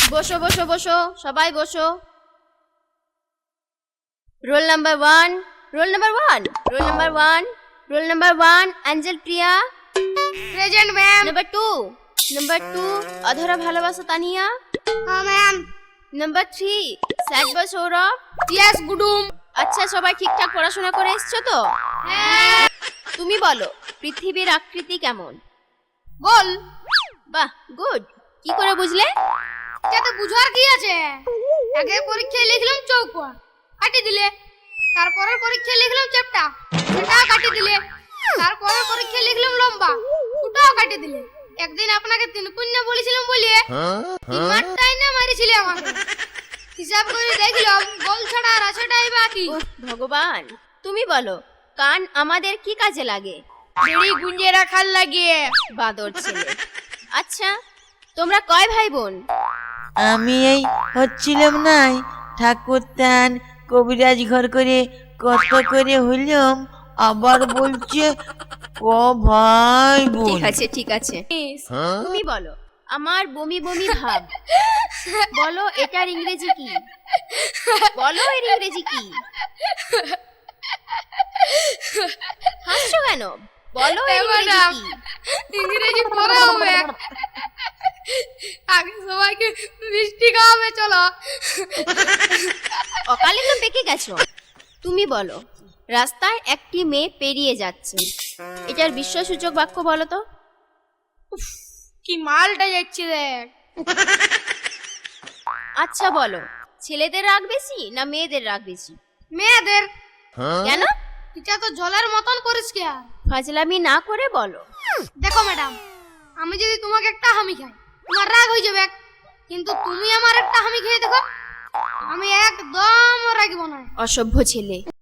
বসো বসো বসো, সবাই বসো। Roll number 1, roll number 1, roll number 1, roll number 1 Angel Priya present ma'am. Number 2 Adhara ভালোবাসা তানিয়া। হ্যাঁ ma'am. Number 3 sad boy Sourav. Yes গুডুম। আচ্ছা, সবাই ঠিকঠাক পড়াশোনা করে এসছো তো? হ্যাঁ। তুমি বলো, পৃথিবীর আকৃতি কেমন? গোল। বাহ, গুড। কি করে বুঝলে? যাতে বুঝার কি আছে, আগে পরীক্ষায় লিখলাম চৌকোয়া, কাটি দিলে। তারপরের পরীক্ষায় লিখলাম চ্যাপ্টা, সেটাও কাটি দিলে। তারপরের পরীক্ষায় লিখলাম লম্বা, ওটাও কাটি দিলে। একদিন আপনাকে 3 পুণ্য বলেছিলাম বলিয়ে 3 মারটাই না মারিছিলে আমাকে। হিসাব করে দেখলাম গোল ছাড়া আর আছেটাই বাকি। ওহ ভগবান, তুমি বলো, কান আমাদের কি কাজে লাগে? বেড়ি গুঞ্জে রাখার লাগে। বাদর ছেলে। আচ্ছা, তোমরা কয় ভাই বোন? আমি এই হচ্ছিলাম নাই ঠাকুরদান কবিরাজ ঘর করে কত করে হইলাম, আবার বলছে ক ভাই বোন। ঠিক আছে ঠিক আছে, তুমি বলো, আমার বমি বমি ভাব। বলো, এটার ইংরেজি কি? বলো, এর ইংরেজি কি? হাসছো কেন? বলো, এর ইংরেজি কি? ইংরেজি পরে হবে। আগে সবাইকে মিষ্টি খাওয়াবে, চলো। অকালে তো পেকে গেছো। তুমি বলো, রাস্তায় একটি মেয়ে পেরিয়ে যাচ্ছে, এটার বিস্ময়সূচক বাক্য বলো তো। কি মালটা যাচ্ছে দেখ। আচ্ছা বলো, ছেলেদের রাগ বেশি না মেয়েদের রাগ বেশি? মেয়েদের। কেন? এটা তো জলের মতন করিস কে? ফাজলামি না করে বলো। দেখো ম্যাডাম, আমি যদি তোমাকে একটা হামি খাই, তোমার রাগ হয়ে যাবে, কিন্তু তুমি আমার একটা হামি খেয়ে দেখো, আমি একদম রাগবো না। অসভ্য ছেলে।